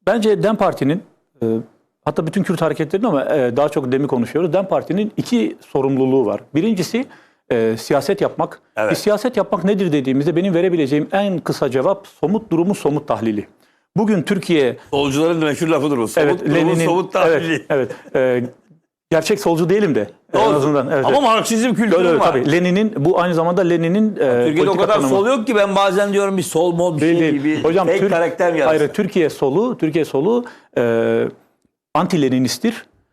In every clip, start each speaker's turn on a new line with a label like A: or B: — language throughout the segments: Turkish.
A: Bence DEM Parti'nin hatta bütün Kürt hareketlerinin ama daha çok DEM'i konuşuyoruz. DEM Parti'nin iki sorumluluğu var. Birincisi siyaset yapmak.
B: Evet.
A: Siyaset yapmak nedir dediğimizde benim verebileceğim en kısa cevap somut durumu somut tahlili. Bugün Türkiye...
B: Solcuların meşhur lafıdır o. Somut durumu somut tahlili.
A: Evet. Gerçek solcu değilim de. En azından. Evet,
B: ama Marksizm kültürü var.
A: Tabii. Lenin'in bu aynı zamanda Lenin'in
B: Türkiye'de o kadar sol yok ki ben bazen diyorum bir sol mod bir şey gibi.
A: Hocam
B: fake karakter yaratır.
A: Hayır, Türkiye solu anti-Leninisttir.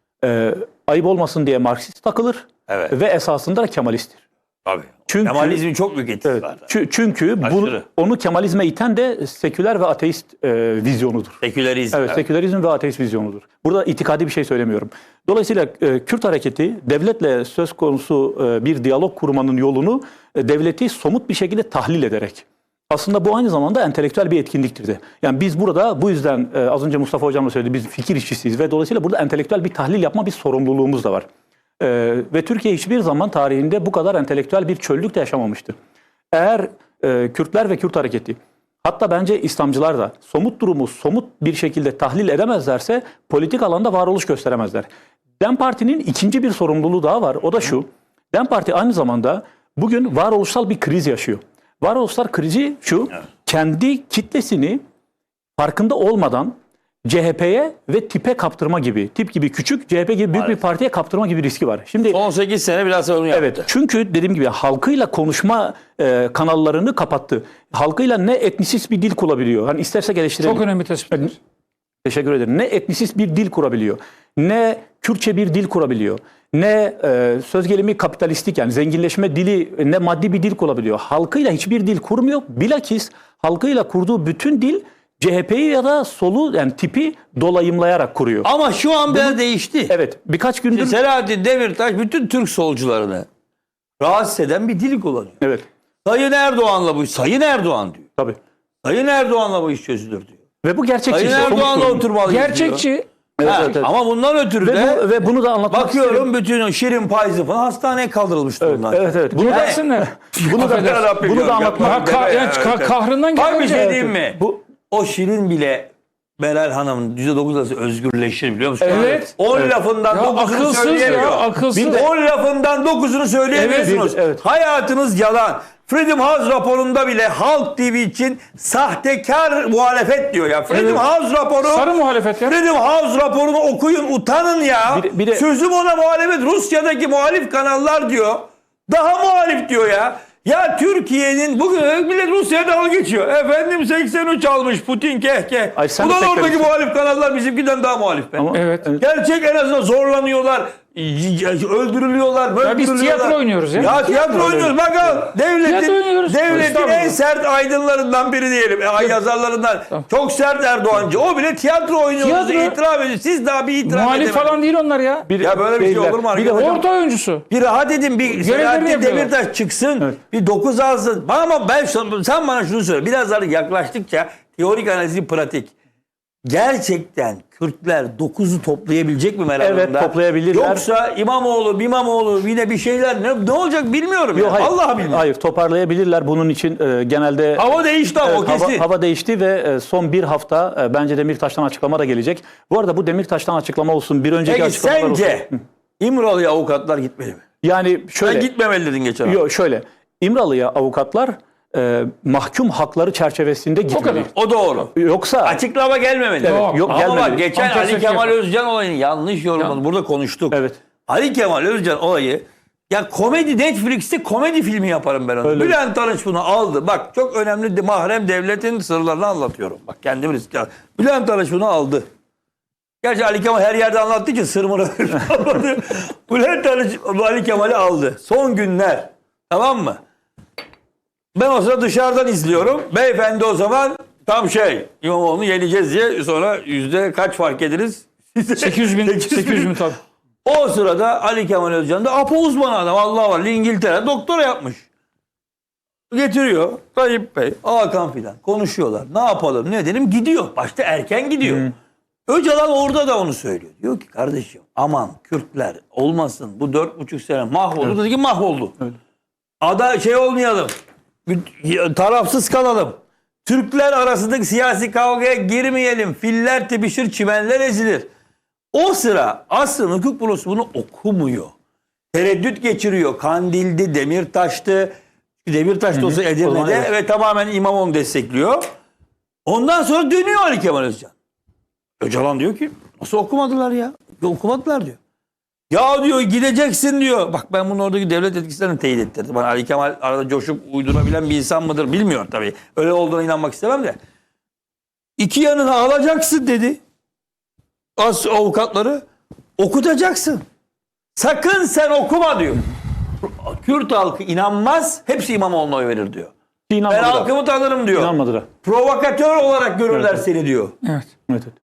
A: Ayıp olmasın diye Marksist takılır.
B: Evet.
A: Ve esasında da Kemalisttir.
B: Tabii.
A: Çünkü,
B: Kemalizmin çok büyük etkisi var.
A: Çünkü onu Kemalizme iten de seküler ve ateist vizyonudur.
B: Sekülerizm.
A: Evet, sekülerizm ve ateist vizyonudur. Burada itikadi bir şey söylemiyorum. Dolayısıyla Kürt hareketi devletle söz konusu bir diyalog kurmanın yolunu devleti somut bir şekilde tahlil ederek. Aslında bu aynı zamanda entelektüel bir etkinliktir de. Yani biz burada bu yüzden az önce Mustafa Hocam da söyledi, biz fikir işçisiyiz ve dolayısıyla burada entelektüel bir tahlil yapma bir sorumluluğumuz da var. Ve Türkiye hiçbir zaman tarihinde bu kadar entelektüel bir çöllük de yaşamamıştı. Eğer Kürtler ve Kürt hareketi, hatta bence İslamcılar da somut durumu somut bir şekilde tahlil edemezlerse politik alanda varoluş gösteremezler. DEM Parti'nin ikinci bir sorumluluğu daha var. O da şu. DEM Parti aynı zamanda bugün varoluşsal bir kriz yaşıyor. Varoluşsal krizi şu. Kendi kitlesini farkında olmadan CHP'ye ve tipe kaptırma gibi, tip gibi küçük, CHP gibi büyük bir partiye kaptırma gibi riski var. Şimdi
B: son 8 sene biraz onu yaptı.
A: Evet, çünkü dediğim gibi halkıyla konuşma kanallarını kapattı. Halkıyla ne etnisist bir dil kurabiliyor. Hani istersek eleştirelim.
C: Çok önemli tespitler.
A: Teşekkür ederim. Ne etnisist bir dil kurabiliyor, ne Kürtçe bir dil kurabiliyor, ne söz gelimi kapitalistik yani zenginleşme dili, ne maddi bir dil kurabiliyor. Halkıyla hiçbir dil kurmuyor. Bilakis halkıyla kurduğu bütün dil CHP'yi ya da solu yani tipi dolayımlayarak kuruyor.
B: Ama şu an biraz değişti.
A: Evet, birkaç gündür...
B: Şimdi Selahattin Demirtaş bütün Türk solcularını rahatsız eden bir dil kullanıyor.
A: Evet.
B: Sayın Erdoğan'la bu Sayın Erdoğan diyor.
A: Tabii.
B: Sayın Erdoğan'la bu iş çözülür diyor.
A: Ve bu gerçekçi.
B: Sayın Erdoğan'la oturmalıyız
C: Gerçekçi.
B: diyor.
A: Evet.
B: Ama bundan ötürü de
A: ve bunu da anlatmak
B: bakıyorum
A: isterim.
B: bütün Şirin Payzı falan hastaneye kaldırılmıştı bunlar.
A: Evet. Bunu da anlatmak.
C: Kahrından
B: Bak bir şey
C: geldi.
B: diyeyim mi? O Şirin bile Meral Hanım'ın %9 arası özgürleşir biliyor musun?
C: Evet.
B: 10 lafından 9'unu
C: Akılsız
B: söyleyemiyor.
C: ya, akılsız.
B: 10 lafından 9'unu söyleyemiyorsunuz.
A: Evet.
B: Hayatınız yalan. Freedom House raporunda bile Halk TV için sahtekar muhalefet diyor ya. Freedom House raporu.
C: Sarı muhalefet ya.
B: Freedom House raporunu okuyun, utanın ya.
A: Bir de-
B: Sözüm ona muhalefet. Rusya'daki muhalif kanallar diyor. Daha muhalif diyor ya. Ya Türkiye'nin bugün millet Rusya'ya dalga geçiyor. Efendim 83 almış Putin keh.
A: Ay, sen de
B: Ulan oradaki
A: sektörsün.
B: muhalif kanallar bizimkiden daha muhalif be.
C: Evet.
B: Gerçek en azından zorlanıyorlar. Öldürülüyorlar, böyle
C: biz tiyatro oynuyoruz ya.
B: Ya tiyatro oynuyoruz. Bakalım
C: Tiyatro oynuyoruz.
B: devletin
C: Estağfurullah.
B: en sert aydınlarından biri diyelim. Yazarlarından. Çok sert Erdoğancı. O bile tiyatro oynuyoruz diye itiraf ediyor. Siz daha bir itiraf
C: Muhalif
B: edemediniz.
C: falan değil onlar ya.
B: Ya böyle bir şey olur mu arkadaşlar?
C: Orta oyuncusu.
B: Bir rahat edin, bir Selahattin
C: yapıyorlar.
B: Demirtaş çıksın, bir 9 alsın. Ama sen bana şunu söyle. Biraz daha yaklaştıkça teorik analizi pratik. Gerçekten Kürtler 9'u toplayabilecek mi Meral
A: Evet,
B: Hanım'da?
A: toplayabilirler.
B: Yoksa İmamoğlu yine bir şeyler ne olacak bilmiyorum.
A: Yok, hayır.
B: Allah bilir.
A: Hayır, toparlayabilirler. Bunun için genelde
B: Hava değişti ama o kesin.
A: hava değişti ve son bir hafta bence Demirtaş'tan açıklama da gelecek. Bu arada bu Demirtaş'tan açıklama olsun, bir önceki
B: Peki
A: açıklamalar olsun.
B: sence İmralı'ya avukatlar gitmeli mi?
A: Yani şöyle.
B: Sen gitmemeli dedin geçen hafta.
A: Yok, şöyle. İmralı'ya avukatlar mahkum hakları çerçevesinde gitmeli.
B: O doğru.
A: Yoksa
B: Açıklama gelmemeli.
A: Evet, yok,
B: Ama
A: gelmeli.
B: bak geçen
C: Tam
B: Ali
C: tersi
B: Kemal
C: yapar.
B: Özcan olayını yanlış yorumladı. Burada konuştuk.
A: Evet.
B: Ali Kemal Özcan olayı ya komedi Netflix'te komedi filmi yaparım ben onu.
A: Öyle.
B: Bülent Arınç bunu aldı. Bak çok önemli mahrem devletin sırlarını anlatıyorum. Bak kendim riske aldım. Bülent Arınç bunu aldı. Gerçi Ali Kemal her yerde anlattığı için sırmını almadı. Bülent Arınç Ali Kemal'i aldı. Son günler. Tamam mı? Ben o sırada dışarıdan izliyorum. Beyefendi o zaman tam İmamoğlu'nu yeneceğiz diye sonra yüzde kaç fark ederiz?
C: 800 bin tabii.
B: O sırada Ali Kemal Özcan da Apo uzmanı adam. Allah var. İngiltere doktora yapmış. Getiriyor. Tayyip Bey, Hakan filan konuşuyorlar. Ne yapalım ne edelim gidiyor. Başta erken gidiyor. Öcalan orada da onu söylüyor. Diyor ki kardeşim aman Kürtler olmasın bu 4,5 sene mahvoldu. Dedi ki mahvoldu. Olmayalım. Tarafsız kalalım. Türkler arasındaki siyasi kavgaya girmeyelim. Filler tepişir, çimenler ezilir. O sıra aslında hukuk bürosu bunu okumuyor. Tereddüt geçiriyor. Kandil'di, Demirtaş'tı. Demirtaş'ta olsa
A: O zaman
B: Edirne'de
A: evet.
B: ve tamamen İmamoğlu destekliyor. Ondan sonra dönüyor Ali Kemal Özcan. Öcalan diyor ki nasıl okumadılar ya? Okumadılar diyor. Ya diyor gideceksin diyor. Bak ben bunu oradaki devlet etkisilerini teyit ettirdim. Bana Ali Kemal arada coşup uydurabilen bir insan mıdır bilmiyorum tabii. Öyle olduğuna inanmak istemem de. İki yanına alacaksın dedi. Az avukatları okutacaksın. Sakın sen okuma diyor. Kürt halkı inanmaz. Hepsi İmamoğlu'na oy verir diyor. Ben
A: İnanmadılar.
B: halkımı tanırım diyor.
A: İnanmadılar.
B: Provokatör olarak görürler seni diyor.
C: Evet.
A: Evet.